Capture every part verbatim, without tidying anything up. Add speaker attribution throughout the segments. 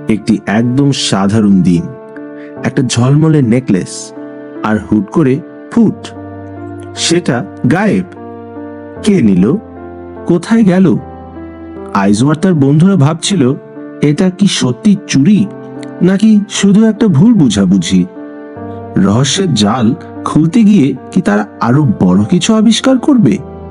Speaker 1: একটি একদম সাধারণ দিন, একটা ঝলমলে নেকলেস, আর হুট করে ফুট, সেটা গায়েব। কে নিল? কোথায় গেল? আইজু আর তার বন্ধুরা ভাবছিল এটা কি সত্যি চুরি নাকি শুধু একটা ভুল বুঝাবুঝি। রহস্যের জাল খুলতে গিয়ে কি তারা আরো বড় কিছু আবিষ্কার করবে?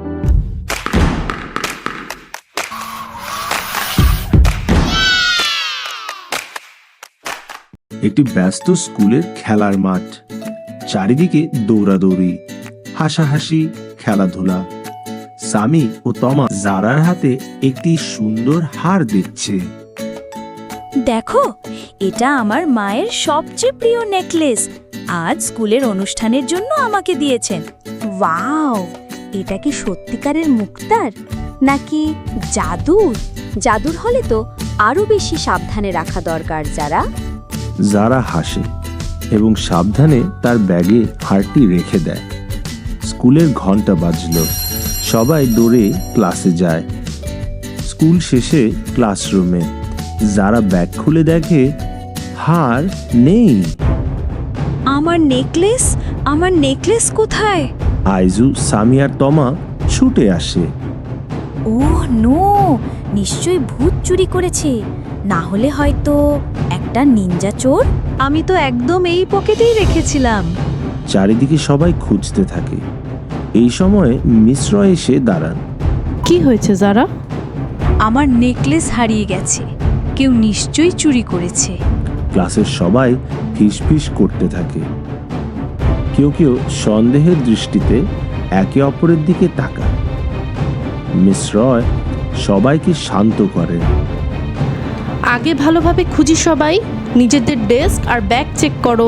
Speaker 1: একটি ব্যস্ত স্কুলের খেলার মাঠ, চারিদিকে দৌড়াদৌড়ি, হাসাহাসি, খেলাধুলা। সামি ও তমা জারার হাতে একটি সুন্দর হার দিচ্ছে।
Speaker 2: দেখো, এটা আমার মায়ের সবচেয়ে প্রিয় নেকলেস। আজ স্কুলের অনুষ্ঠানের জন্য আমাকে দিয়েছেন। ওয়াও, এটা কি সত্যিকারের মুক্তার নাকি জাদুর? জাদুর হলে তো আরো বেশি সাবধানে রাখা দরকার। যারা
Speaker 1: জারা হাসে এবং সাবধানে তার ব্যাগে হারটি রেখে দেয়। স্কুলের ঘন্টা বাজল, সবাই দৌড়ে ক্লাসে যায়। স্কুল শেষে ক্লাসরুমে যারা ব্যাগ খুলে দেখে হার নেই।
Speaker 2: আমার নেকলেস, আমার নেকলেস কোথায়?
Speaker 1: আইজু, সামি আর তমা ছুটে আসে।
Speaker 2: ওহ নো, নিশ্চয়ই ভূত চুরি করেছে, না হলে হয়তো একটা নিনজা চোর। আমি তো একদম এই পকেটেই রেখেছিলাম।
Speaker 1: চারিদিকে সবাই খুঁজতে থাকে। এই সময় মিশ্র এসে দাঁড়ান।
Speaker 3: কি হয়েছে যারা?
Speaker 2: আমার নেকলেস হারিয়ে গেছে, কেউ নিশ্চয়ই চুরি করেছে।
Speaker 1: ক্লাসের সবাই ফিসফিস করতে থাকে। কেউ কেউ সন্দেহের দৃষ্টিতে একে অপরের দিকে তাকায়। মিস রয় সবাইকে শান্ত করেন।
Speaker 3: আগে ভালোভাবে খুঁজি, সবাই নিজেদের ডেস্ক আর ব্যাগ চেক করো।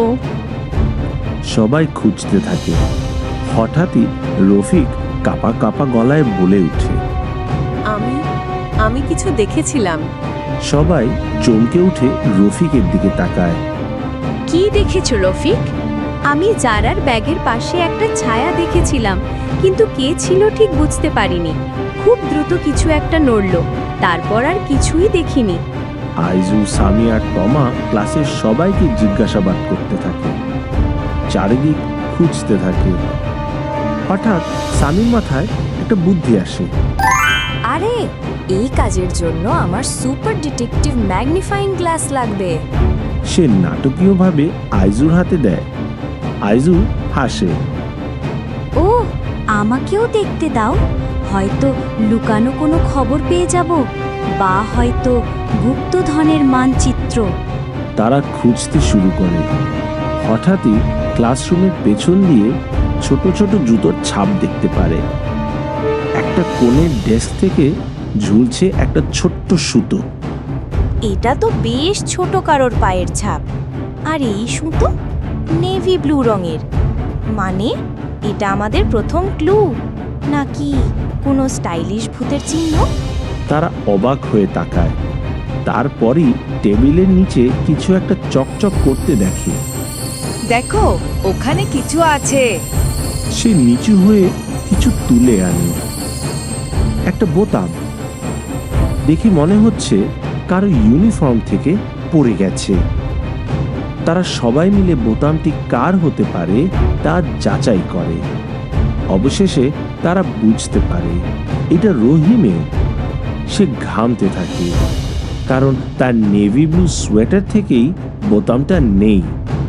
Speaker 1: সবাই খুঁজতে থাকে। হঠাৎই রফিক কাপা কাপা গলায় বলে ওঠে,
Speaker 4: আমি আমি কিছু দেখেছিলাম।
Speaker 1: সবাই চমকে উঠে রফিকের দিকে তাকায়।
Speaker 2: কি দেখেছো রফিক? আমি জারার ব্যাগের পাশে একটা ছায়া দেখেছিলাম, কিন্তু কে ছিল ঠিক বুঝতে পারিনি। খুব দ্রুত কিছু একটা নড়ল, তারপর আর কিছুই দেখিনি।
Speaker 1: আইজু, সামি আর তমা ক্লাসের সবাইকে জিজ্ঞাসাবাদ করতে থাকে। চারিদিক খুঁজতে থাকে। হঠাৎ সামির মাথায় একটা বুদ্ধি আসে।
Speaker 2: আরে, এই কাজের জন্য আমার সুপার ডিটেকটিভ ম্যাগনিফাইং গ্লাস লাগবে।
Speaker 1: সে নাটকীয়ভাবে আইজুর হাতে দেয়। আইজু হাসে।
Speaker 2: ও, আমাকেও দেখতে দাও। হয়তো লুকানো কোনো খবর পেয়ে যাব, বা হয়তো গুপ্তধনের মানচিত্র।
Speaker 1: তারা খুঁজতে শুরু করে। হঠাৎই ক্লাসরুমের পেছন দিয়ে ছোট ছোট জুতোর ছাপ দেখতে পারে। একটা কোণের ডেস্ক থেকে ঝুলছে একটা ছোট্ট সুতো।
Speaker 2: এটা তো বেশ ছোট কারোর পায়ের ছাপ। আর এই সুতো নেভি ব্লু রঙের। মানে এটা আমাদের প্রথম ক্লু, নাকি কোনো স্টাইলিশ ভূতের চিহ্ন?
Speaker 1: তারা অবাক হয়ে তাকায়। তারপরই টেবিলের নিচে কিছু একটা চকচক করতে দেখে।
Speaker 4: দেখো, ওখানে কিছু আছে।
Speaker 1: সে নিচু হয়ে কিছু তুলে আনে। একটা বোতাম। দেখি মনে হচ্ছে কারো ইউনিফর্ম থেকে পড়ে গেছে। তারা সবাই মিলে বোতামটি কার হতে পারে তা যাচাই করে। অবশেষে তারা বুঝতে পারে এটা রহিমের। সে ঘামতে থাকে, কারণ তার নেভি ব্লু সোয়েটার থেকেই বোতামটা নেই।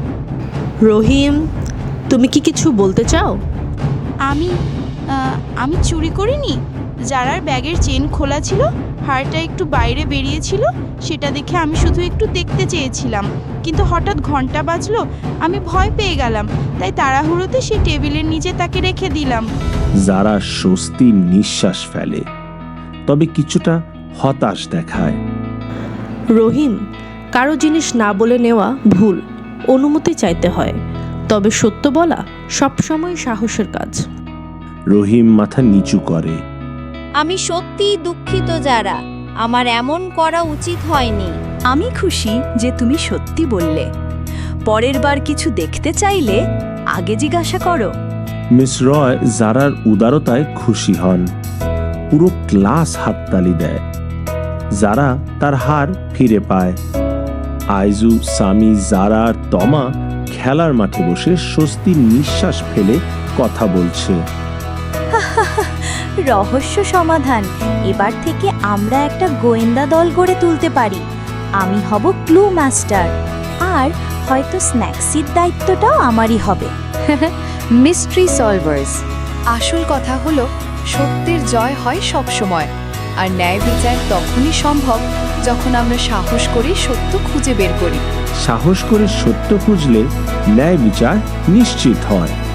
Speaker 3: রহিম, তুমি কি কিছু বলতে চাও?
Speaker 5: আমি আহ, আমি চুরি করিনি। জারার ব্যাগের চেন খোলা ছিল, হারটা একটু বাইরে বেরিয়েছিল, সেটা দেখে আমি শুধু একটু দেখতে চেয়েছিলাম। কিন্তু হঠাৎ ঘন্টা বাজলো, আমি ভয় পেয়ে গেলাম, তাই তাড়াহুড়োতে সেই টেবিলের নিচে তাকে রেখে দিলাম।
Speaker 1: যারা স্বস্তির নিঃশ্বাস ফেলে, তবে কিছুটা হতাশ দেখায়।
Speaker 3: রহিম, কারো জিনিস না বলে নেওয়া ভুল, অনুমতি চাইতে হয়। তবে সত্য বলা সবসময় সাহসের কাজ।
Speaker 1: রহিম মাথা নিচু করে।
Speaker 2: আমি সত্যিই দুঃখিত যারা, আমার এমন করা উচিত হয়নি। আমি খুশি যে তুমি সত্যি বললে। পরের বার কিছু দেখতে চাইলে আগে জিজ্ঞাসা করো।
Speaker 1: মিস রয় জারার উদারতায় খুশি হন। পুরো ক্লাস হাততালি দেয়। যারা তার হার ফিরে পায়। আইজু, সামি, জারা আর তমা খেলার মাঠে বসে স্বস্তির নিঃশ্বাস ফেলে কথা বলছে।
Speaker 2: রহস্য সমাধান। এবার থেকে আমরা একটা গোয়েন্দা দল গড়ে তুলতে পারি। আমি হব ক্লু মাস্টার, আর হয়তো স্ন্যাক্সির দায়িত্বটাও আমারই হবে।
Speaker 4: Mystery solvers. আসল কথা হলো সত্যের জয় হয় সব সময়, আর ন্যায় বিচার তখনই সম্ভব যখন আমরা সাহস করি সত্য খুঁজে বের করি।
Speaker 1: সাহস করে সত্য খুঁজলে ন্যায় বিচার নিশ্চিত হয়।